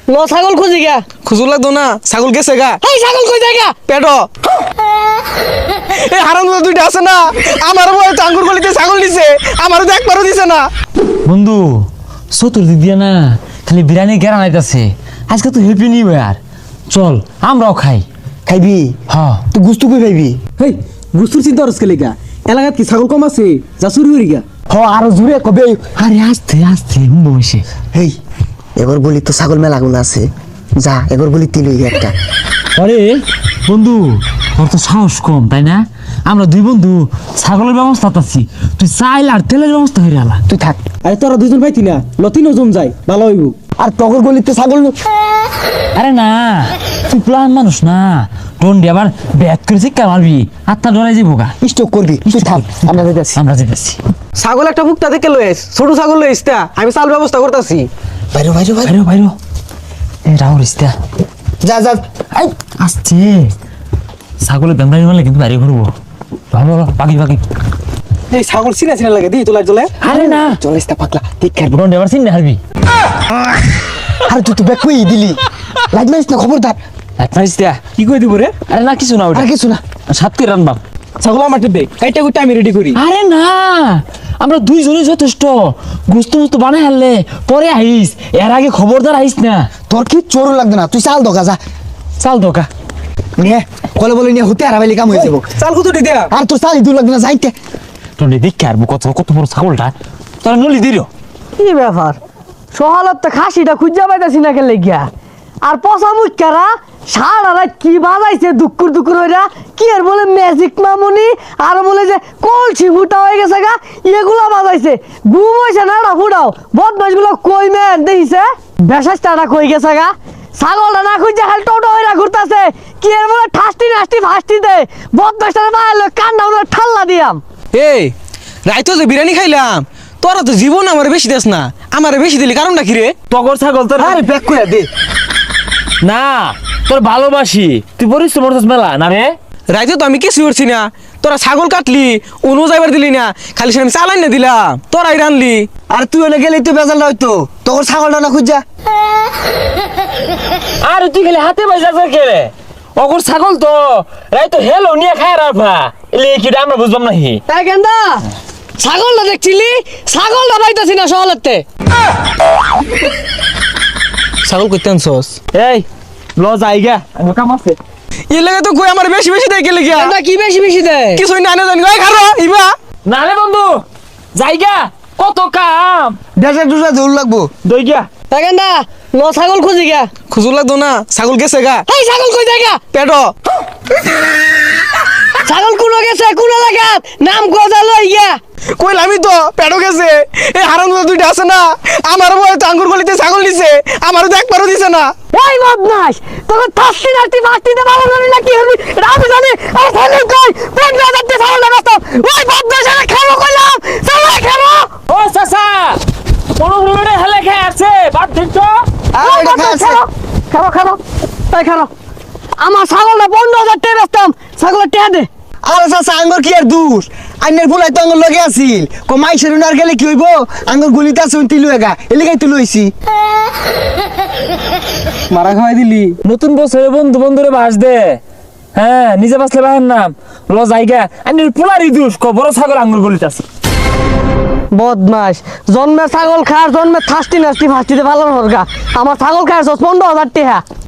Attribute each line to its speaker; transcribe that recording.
Speaker 1: লো ছাগল খুঁজি গা।
Speaker 2: খুঁজুর লাগতো না, ছাগল গেছে গা।
Speaker 1: এই ছাগল কই যায় গা?
Speaker 2: পেটো এই হারাম দুইটা আছে না, আমার বয়ে তো আঙ্গুর গলিতে ছাগল দিছে, আমারও তো একবারও দিছে না।
Speaker 3: বন্ধু চতুর্দিক দিয়ে না খালি বিরিয়ানি গেরা নাইতাছে। আজকে তো হ্যাপি নিউ ইয়ার, চল আমরাও খাই।
Speaker 4: খাইবি?
Speaker 3: হ্যাঁ
Speaker 4: তুই গুস্তু কই খাইবি?
Speaker 5: হেই গুস্তুর চিন্তা করছ কেলে গা? এলাকাত কি ছাগল কম আছে যা চুরি করি গা?
Speaker 4: হ আরো জুড়ে কবে?
Speaker 3: আরে আস্তে আস্তে বসে।
Speaker 4: হেই এবার বলি তো ছাগল মেলাগুলো আছে, যা এবার বলি তিল একটা।
Speaker 3: আরে বন্ধু তোর তো সাহস কম তাই না? আমরা দুই বন্ধু ছাগলের ব্যবস্থা আছি, তুই চাইল আর তেলের ব্যবস্থা হয়ে গেল।
Speaker 4: তুই থাক।
Speaker 5: আরে তোরা দুজন পাইতি না লতিনও জম যায় ভালো হইব।
Speaker 4: আর তগর গলিতে ছাগল
Speaker 3: আরে না তুই প্লান মানুষ না, টন্ডি আবার ব্যাট করে শিক্ষা মারবি, আত্মা ডরাই যাবো গা।
Speaker 4: স্টক করবি, তুই থাক। আমরা যাচ্ছি।
Speaker 3: আমরা যেতেছি।
Speaker 2: ছাগল একটা মুক্তা থেকে লয়েস, ছোট ছাগল লয়েস তা আমি চাল ব্যবস্থা করতেছি।
Speaker 4: বাইরে বাইরে বাইরে
Speaker 3: বাইরো বাইরো এ রাহুল ইস্তা
Speaker 4: যা যা।
Speaker 3: এই আসছে ছাগলের বেমরাই মারলে কিন্তু বাইরে ঘুরবো। ভালো ভালো বাকি বাকি।
Speaker 5: এই ছাগল চিনা চিনা লাগে দি তোলা চলে।
Speaker 3: আরে না
Speaker 4: চলে আসতে পাকলা ঠিক খাইবো।
Speaker 3: টন্ডি আবার চিন্তা হারবি।
Speaker 4: আরে তুই তো ব্যাক কই দিলি, লাইট মারিস না, খবরদার।
Speaker 5: কি কই দিব রে?
Speaker 3: আরে না কিছু না ওটা
Speaker 4: আর কিছু না।
Speaker 3: সাত করে রানবাম।
Speaker 5: ছাগল আমার দে কাইটা কুইটা আমি রেডি করি।
Speaker 3: আরে না আমরা দুইজনই যথেষ্ট, গুস্ত মুস্ত বানাই হারলে পরে আইস, এর আগে খবরদার আইস না।
Speaker 4: তোর কি চোর লাগবে না, তুই চাল দোকা যা।
Speaker 3: চাল দোকা
Speaker 4: নিয়ে কলে বলে নিয়ে হতে হারাবাইলে কাম হয়ে যাবো।
Speaker 5: চাল কত দি দেয়া?
Speaker 4: আর তোর চাল ইদুর লাগবে না, যাইতে।
Speaker 3: টন্ডি দেখে আর কত কত বড় ছাগলটা তোরা নলি দিল।
Speaker 1: কি ব্যাপার? সহালত তো খাসিটা খুঁজা পাইতাছি না কেলে গিয়া। আর পচা মুখরা সারা রাত কি বাজাইছে দুকুর দুকুর হইরা, কি আর বলে ম্যাজিক মামুনি, আর বলে যে কলসি ফুটা হয়ে গেছে গা, এগুলা বাজাইছে। ঘুম হইছে না না ফুটাও, বদমাস গুলো কই মেন দেখিছে, বেশাসটা কই গেছে গা। ছাগলটা না খুঁজে খালি টোটো হইরা ঘুরতাছে, কি আর বলে ঠাস্তি নাস্তি ফাস্তি দে, বদমাসটা বাইরে কান্না উনার ঠাল্লা দিয়াম।
Speaker 2: এই রাইতো যে বিরিয়ানি খাইলাম, তোরা তো জীবন আমার বেশি দেস না, আমার বেশি দিলি কারণটা কি রে?
Speaker 3: টগর ছাগল তোর
Speaker 4: আরে ব্যাক করে দে।
Speaker 3: না তোর ভালোবাসি, তুই পরিশ্রম করছিস মেলা না রে।
Speaker 2: রাইতে তো আমি কিছু করছি না, তোরা ছাগল কাটলি অনু যাইবার দিলি না, খালি সে আমি চালাই না দিলাম, তোরাই রানলি।
Speaker 4: আর তুই ওনে গেলে তুই বেজাল হইতো, তোর ছাগলটা না খুঁজা।
Speaker 3: আর তুই খালি হাতে বাজার কে রে? অগর ছাগল তো রাই তো হেলো নিয়ে খায় রাফা, এলে কি আমরা বুঝবাম নাহি।
Speaker 1: এই গেন্দা ছাগলটা দেখছিলি, ছাগলটা পাইতাছি না সহলতে।
Speaker 2: ছাগল করতে আনছস?
Speaker 3: এই ল যাইগা আমি কাম আছে।
Speaker 2: এর লাগে তো কই আমার বেশি বেশি দেয় গেলে গিয়া
Speaker 1: গেন্দা কি বেশি বেশি দেয়?
Speaker 2: কিছুই না জানি গাই খারো ইবা।
Speaker 3: না রে বন্ধু যাইগা কত কাম
Speaker 4: দেশে দুসা দৌড় লাগবো।
Speaker 3: দই গা।
Speaker 1: এই গেন্দা লো ছাগল খুঁজি গা।
Speaker 2: খুঁজুর লাগতো না, ছাগল গেছে গা।
Speaker 1: এই ছাগল কই যায় গা?
Speaker 2: পেটো
Speaker 1: ছাগল কোন গেছে কোন লাগাত নাম গজা লই গিয়া।
Speaker 2: কইলামি তো পেটো গেছে। এই হারাম দুইটা আছে না, আমার বয়ে তো আঙ্গুর গলিতে ছাগল দিছে, আমারও তো একবারও দিছে না।
Speaker 1: ওই বদমাস তোকে থাসি নাতি ফাস্তি দে ভালো জানি না কি হবি রাম জানি। আর ছাগল কই পেট না যাতে ছাগল না বাস্ত। ওই বদমাস আরে খাবো কইলাম, ছাগল খাবো।
Speaker 3: ও চাচা কোন রুমে হেলে খেয়ে আছে বাদ দিন তো।
Speaker 1: ওই বদমাস খাবো খাবো তাই খাবো। আমার ছাগলটা 15,000 টাকা বেচতাম, ছাগলের টাকা দে।
Speaker 4: আরে চাচা আঙ্গুর কি আর দূর, আইনের ফুলাই তো আঙ্গুর লগে আছিল। মাইসের আর গেলে কি হইব, আঙ্গুর গুলিতে আছে তিলু এগা, এলাকাই তো লইছি।
Speaker 5: মারা খাওয়াই দিলি।
Speaker 3: নতুন বছরে বন্ধু বন্ধুরে বাস দে। হ্যাঁ নিজে বাসলে বাহের নাম ল যাইগা আমি পোলারি দুষ বড় ছাগল আঙ্গুর গলিতে আছে।
Speaker 1: বদমাস জন্মে ছাগল খার জন্মে থাস্তি নাস্তি ফাস্তিতে ভালো হরগা। আমার ছাগল খায় 15,000 টাকা।